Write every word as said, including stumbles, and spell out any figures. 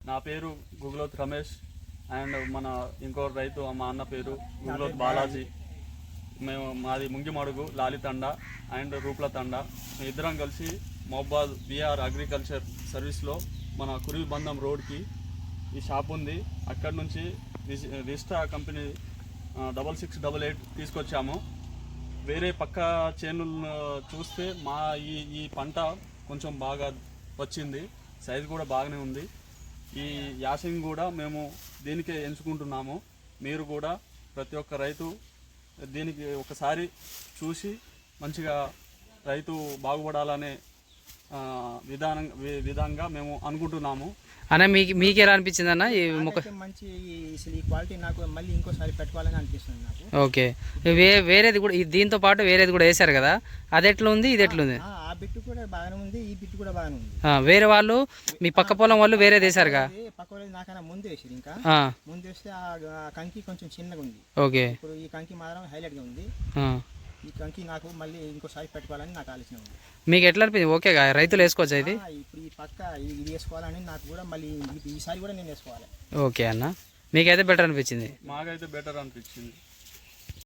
నా పేరు గుగ్లోత్ రమేష్ అండ్ మన ఇంకో రైతు మా అన్న పేరు గుగ్లోత్ బాలాజీ. మేము మాది ముంగిమడుగు లాలితండ అండ్ రూప్ల తండ. మేము ఇద్దరం కలిసి మహబాద్ బీఆర్ అగ్రికల్చర్ సర్వీస్లో మన కురిల్బంధం రోడ్కి ఈ షాప్ ఉంది. అక్కడి నుంచి రిజిస్టా company double six double eight తీసుకొచ్చాము. వేరే పక్క చేనులను చూస్తే మా ఈ ఈ పంట కొంచెం బాగా వచ్చింది, సైజు కూడా బాగానే ఉంది. ఈ యాసింగ్ కూడా మేము దీనికే ఎంచుకుంటున్నాము. మీరు కూడా ప్రతి ఒక్క రైతు దీనికి ఒకసారి చూసి మంచిగా రైతు బాగుపడాలనే విధానం విధంగా మేము అనుకుంటున్నాము. అన్న మీకు మీకు ఎలా అనిపించింది అన్న ఈ మొక్క? మంచి అసలు ఈ క్వాలిటీ నాకు మళ్ళీ ఇంకోసారి పెట్టుకోవాలని అనిపిస్తుంది నాకు. ఓకే, వే వేరేది కూడా దీంతో పాటు వేరేది కూడా వేశారు కదా, అది ఎట్లా ఉంది ఇది ఎట్లుంది? ఆ బిట్టు కూడా బాగానే ఉంది, ఈ బిట్టు కూడా బాగానే ఉంది. వేరే వాళ్ళు మీ పక్క పొలం వాళ్ళు వేరేది వేశారుగా? పక్క వాళ్ళు నాకన్నా ముందు వేసారు, ఇంకా ముందు వేస్తే ఆ కంకి కొంచెం చిన్నగా ఉంది. ఓకే, ఇప్పుడు ఈ కంకి మాత్రం హైలైట్ గా ఉంది. ఈ కంకి నాకు మళ్ళీ ఇంకోసారి పెట్టుకోవాలని నాకు ఆలోచన ఉంది. మీకు ఎట్లా అనిపించింది? ఓకే, రైతులు వేసుకోవచ్చు ఇది? ఇప్పుడు ఈ పక్క ఇది వేసుకోవాలని నాకు కూడా మళ్ళీ ఈసారి కూడా నేను వేసుకోవాలి. ఓకే అన్న, మీకైతే బెటర్ అనిపించింది? మాకైతే బెటర్ అనిపించింది.